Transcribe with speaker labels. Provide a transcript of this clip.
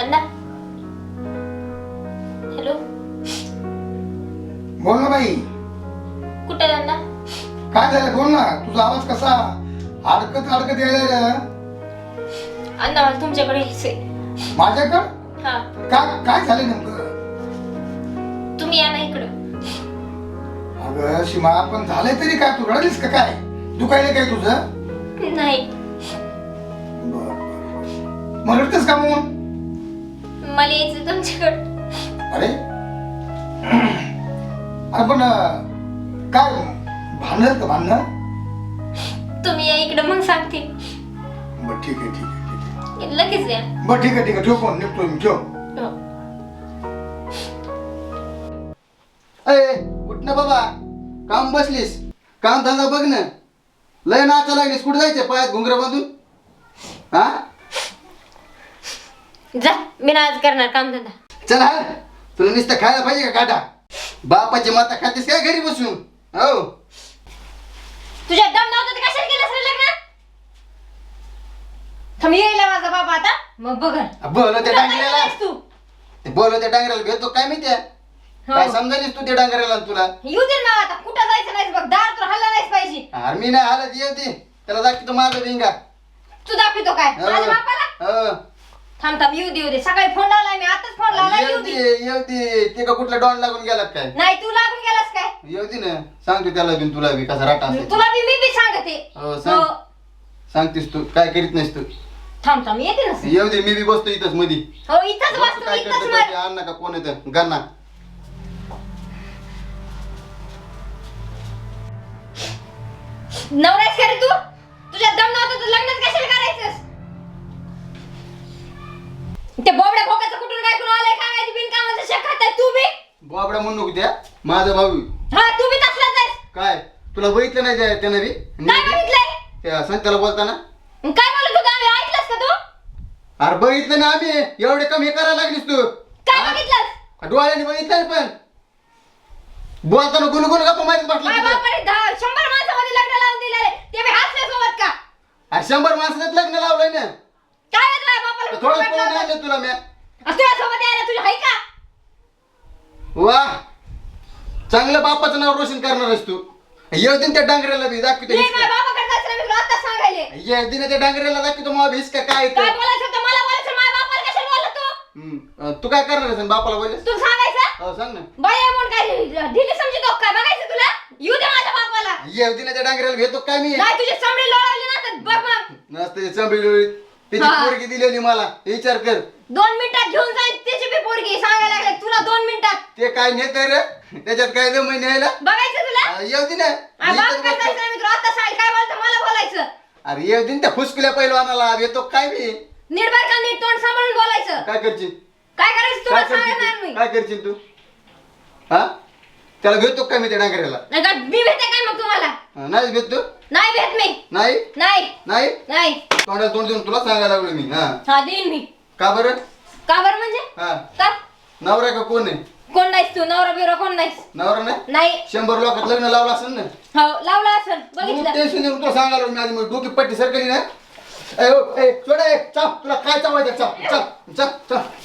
Speaker 1: अण्णा hello
Speaker 2: बोल ना बाई.
Speaker 1: कुठे आहे अण्णा?
Speaker 2: काय झालं बोल ना. तुझा आवाज कसा अडकत अडकत यायला.
Speaker 1: अण्णा मला तुमच्याकडे यायचंय.
Speaker 2: माझ्याकडं
Speaker 1: हा
Speaker 2: काय काय झालं नेमकं?
Speaker 1: तुम्ही या ना इकडं.
Speaker 2: अगं सीमा पण झालंय तरी काय? तू रडलीस का काय? दुखायला काय तुझं?
Speaker 1: नाही
Speaker 2: मग रडतेस का मग?
Speaker 1: मला यायचं तुमच्याकडं.
Speaker 2: अरे अरे पण काय भांडण का भांडण?
Speaker 1: तुम्ही या इकडं मग सांगते.
Speaker 2: बरं ठीक आहे ठीक आहे ठीक आहे.
Speaker 1: लगेच या.
Speaker 2: बरं ठीक आहे ठेव फोन निघतो मी ठेव.
Speaker 1: हो.
Speaker 3: अय उठ ना बाबा. काम बसलीस काम धंदा बघ ना. लय नाचा लागलीस. कुठे जायचं पायात घुंगरा बांधून? हा
Speaker 1: जा मी ना आज करणार काम धंदा.
Speaker 3: चल हा. तुला नुसतं खायला पाहिजे का काटा? बापाची माता खातेस काय घरी बसून? हो
Speaker 1: तुझ्या दम नव्हतं तर कशाला केलंस रे लग्न? थांब येईला माझा बाबा आता मग बघ.
Speaker 3: बोल त्या डांगऱ्याला.
Speaker 1: तू
Speaker 3: बोल त्या डांगऱ्याला भेटतो काय माहितीये? काय समजायलीस तू त्या डांगऱ्याला तुला?
Speaker 1: येऊ दे ना आता. कुठं जायचं नाही बघ. दार तर हल्ला नाहीच पाहिजे.
Speaker 3: अरे मी नाही हालत येते. त्याला दाखवतो माझा भिंगा.
Speaker 1: तू दाखवितो काय माझ्या बापाला? थांब थांब येऊ दे सकाळी फोन लावलाय मी. आताच फोन लावला. येऊ दे.
Speaker 3: येऊ ते का कुठला डॉन लागून गेला काय?
Speaker 1: नाही तू लागून गेलास काय?
Speaker 3: येऊ दे ना. सांगतो त्याला बिन तुला बी कसा राटा असेल.
Speaker 1: तुला बी मी सांगते.
Speaker 3: हो सांग. सांगतेस तू काय करीत नाहीस तू.
Speaker 1: थांब थांब येते ना.
Speaker 3: येऊ दे मी बी बसतो इथंच मधी.
Speaker 1: हो इथंच
Speaker 3: बघ तू
Speaker 1: बसतो
Speaker 3: काय
Speaker 1: इथंच
Speaker 3: करतो
Speaker 1: मर.
Speaker 3: ते आण नका कोण येतं गन्ना.
Speaker 1: नवराच का रे तू? तुझ्या दम नव्हतं तर लग्नच कशाला करायचंस? ते बोबड्या भोकाचं कुठून काय कुणा आलंय काय माहिती बिनकामाचं शेक खाताय तू बी?
Speaker 3: बाबडा म्हणू नको त्या. माझा भाऊ.
Speaker 1: हा तू बी तसलाच आहेस.
Speaker 3: काय तुला बघितलं नाही त्यानं बी?
Speaker 1: काय बघितलंय?
Speaker 3: त्या संत्याला बोलताना.
Speaker 1: काय बोलत होता आम्ही? ऐकलंस का तू?
Speaker 3: अरे बघितलं ना आम्ही. एवढे कमी करायला लागलीस तू.
Speaker 1: काय बघितलंस?
Speaker 3: डोळ्याने बघितलं पण बोलताना गुणगुण गप्पा मारीत बसला
Speaker 1: माझ्या
Speaker 3: तिथं.
Speaker 1: बापाने 100 माणसामध्ये लग्न लावून दिलेले. ते बी हसल्यासोबत का?
Speaker 3: अरे 100 माणसात लग्न लावलंय ना.
Speaker 1: काय येत माझ्या बापाला?
Speaker 3: थोडं पळून आणलं तुला मी.
Speaker 1: तुझ्यासोबत यायला तुझ्या हाय का?
Speaker 3: वा चांगलं बापाचं नाव रोशन करणार आहेस तू. येऊ दे त्या डांगऱ्याला बी दाखवतो
Speaker 1: मी
Speaker 3: हिसका.
Speaker 1: माझ्या बापाकडे जायचं नाही. मी तुला आत्ताच सांगायले.
Speaker 3: येऊ दे ना त्या डांगऱ्याला दाखवतो मग हिसका काय
Speaker 1: काय
Speaker 3: येतं.
Speaker 1: बोलायचं होतं मला बोलायचं. माझ्या बापाला कशाला बोलला तू?
Speaker 3: तू काय करणार आहेस बापाला बोललेस?
Speaker 1: तू सांगायचं?
Speaker 3: हो सांग ना.
Speaker 1: बाई म्हणून काय ढिली समजतो काय? बघायचं तुला? येऊ दे माझ्या बापाला.
Speaker 3: येऊ दे ना त्या डांगऱ्याला भेटतो काय मी.
Speaker 1: नाही तुझी चमडी लोळवली ना तर बघ मग.
Speaker 3: नसते चंबळी त्याची
Speaker 1: हा.
Speaker 3: पोरगी दिलेली मला. विचार कर.
Speaker 1: 2 मिनिटात घेऊन जाईल त्याची बी पोरगी. सांगायला लागले तुला 2 मिनिटात.
Speaker 3: ते काय नेत रे त्याच्यात काय दम न्यायला.
Speaker 1: बघायचं तुला?
Speaker 3: येऊ दे ना.
Speaker 1: आ,
Speaker 3: मी
Speaker 1: बाप
Speaker 3: इथंच
Speaker 1: काय
Speaker 3: बसतो.
Speaker 1: जायचं नाही. मी तुला आता सांग काय बोलतो मला बोलायचं.
Speaker 3: अरे येऊ दे ना त्या फुसकुल्या पैलवानाला येतो काय मी.
Speaker 1: नीट बर का नीट तोंड सांभाळून बोलायचं.
Speaker 3: काय करशील?
Speaker 1: काय करायचं
Speaker 3: काय
Speaker 1: तुला सांगणार मी.
Speaker 3: करशील? काय करशील तू? हा त्याला भेटतो काय मी त्या डांगऱ्याला?
Speaker 1: नाही का मी भेटते काय मग तुम्हाला?
Speaker 3: नाही भेटतो.
Speaker 1: नाही भेट मी.
Speaker 3: नाही
Speaker 1: नाही
Speaker 3: नाही
Speaker 1: नाही.
Speaker 3: तोंडाला तोंड देऊन तुला सांगायला लागलो मी. हा
Speaker 1: हा देईन मी.
Speaker 3: का बरं?
Speaker 1: का बरं म्हणजे?
Speaker 3: हा
Speaker 1: का?
Speaker 3: नवरा का कोण आहे?
Speaker 1: कोण नाहीस तू? नवरा बिवरा कोण नाहीस?
Speaker 3: नवरा नाही.
Speaker 1: नाही.
Speaker 3: 100 लोकात लग्न लावलं असेल ना.
Speaker 1: हो लावला असेल. बघितलं.
Speaker 3: टेन्शन येऊन तुला सांगायला लागलो मी आधी. डोकी पट्टी सरकली ना. ए चाप तुला काय चावायचं चाप चाप चाप चाप